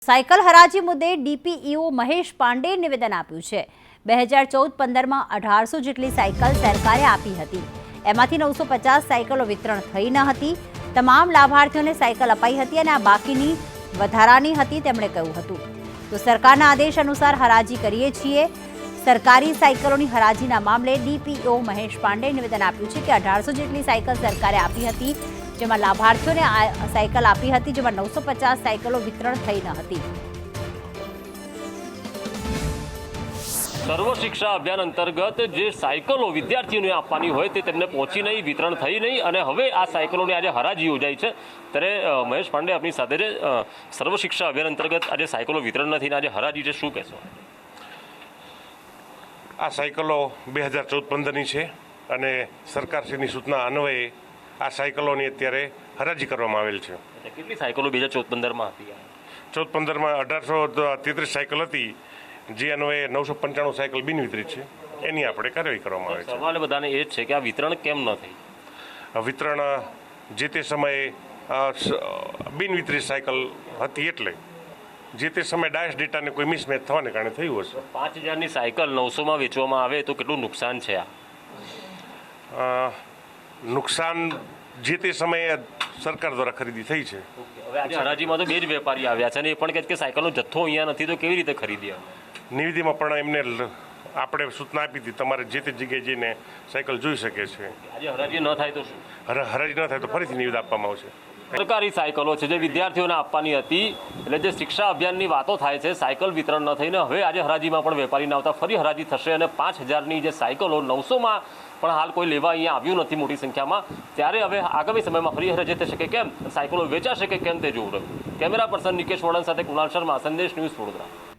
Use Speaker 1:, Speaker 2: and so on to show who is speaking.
Speaker 1: Cycle હરાજી મુદ્દે DPEO Mahesh પાંડેએ નિવેદન આપ્યું છે। 2014-15માં 1800 જેટલી સાયકલ સરકારે આપી હતી। એમાંથી 950 સાયકલો વિતરણ થઈ ન હતી। તમામ લાભાર્થીઓને સાયકલ અપાઈ હતી અને આ બાકીની વધારાની હતી તેમણે કહ્યું હતું। તો સરકારના આદેશ અનુસાર હરાજી કરીએ છીએ। સરકારી સાયકલોની હરાજીના મામલે ડીપીઈઓ મહેશ પાંડેએ નિવેદન આપ્યું છે કે 1800 જેટલી સાયકલ સરકારે આપી હતી, જેમાં લાભાર્થીઓને સાયકલ આપી હતી, જેમાં 950 સાયકલો વિતરણ થઈ ન હતી।
Speaker 2: સર્વ શિક્ષા અભિયાન અંતર્ગત જે સાયકલો વિદ્યાર્થીઓને આપવાની હોય તે તેમને પહોંચી નહીં, વિતરણ થઈ નહીં અને હવે આ સાયકલોની આજે હરાજી યોજાઈ છે। ત્યારે મહેશ પાંડે આપની સાથે છે। સર્વ શિક્ષા અભિયાન અંતર્ગત આજે સાયકલો વિતરણ નથી, આજે હરાજી છે, શું કહેશો?
Speaker 3: આ સાયકલો 2014-15ની છે અને સરકારશ્રીની સૂચના અન્વયે આ સાયકલોની અત્યારે હરાજી કરવામાં આવેલ છે।
Speaker 2: કેટલી સાયકલો 2014-15માં હતી?
Speaker 3: 14-15માં 1833 સાયકલ હતી, જે અન્વયે 995 સાયકલ બિનવિતરિત છે, એની આપણે કાર્યવાહી કરવામાં આવે છે।
Speaker 2: સવાલ બધાને એ જ છે કે આ વિતરણ કેમ ન થઈ?
Speaker 3: વિતરણ જે તે સમયે બિનવિતરિત સાયકલ હતી એટલે જે તે સમયે ડાયસ ડેટાને કોઈ મિસમેચ થવાને કારણે થયું હશે।
Speaker 2: 5000ની સાયકલ 900માં વેચવામાં આવે તો કેટલું નુકસાન છે આ?
Speaker 3: નુકસાન જે તે સમયે સરકાર દ્વારા ખરીદી થઈ છે।
Speaker 2: હવે આજે હરાજીમાં તો બે જ વેપારી આવ્યા છે અને એ પણ કહે છે કે સાયકલનો જથ્થો અહીંયા નથી, તો કેવી રીતે ખરીદી?
Speaker 3: નિવેદનમાં પણ એમને આપણે સૂચના આપી હતી, તમારે જે તે જગ્યાએ જઈને સાયકલ જોઈ શકે છે।
Speaker 2: આજે હરાજી ન થાય તો શું?
Speaker 3: હરાજી ન થાય તો ફરીથી નિવેદન આપવામાં આવશે।
Speaker 2: સરકારી સાયકલો છે જે વિદ્યાર્થીઓને આપવાની હતી, એટલે જે શિક્ષા અભિયાનની વાતો થાય છે, સાયકલ વિતરણ ન થઈને હવે આજે હરાજીમાં પણ વેપારી ના આવતા ફરી હરાજી થશે અને 5000ની જે સાયકલો 900માં પણ હાલ કોઈ લેવા અહીંયા આવ્યું નથી મોટી સંખ્યામાં, ત્યારે હવે આગામી સમયમાં ફરી હરાજી થશે કે કેમ, સાયકલો વેચાશે કે કેમ તે જોવું રહ્યું। કેમેરા પર્સન નિકેશ વડન સાથે કુણાલ શર્મા, સંદેશ ન્યૂઝ, વડોદરા।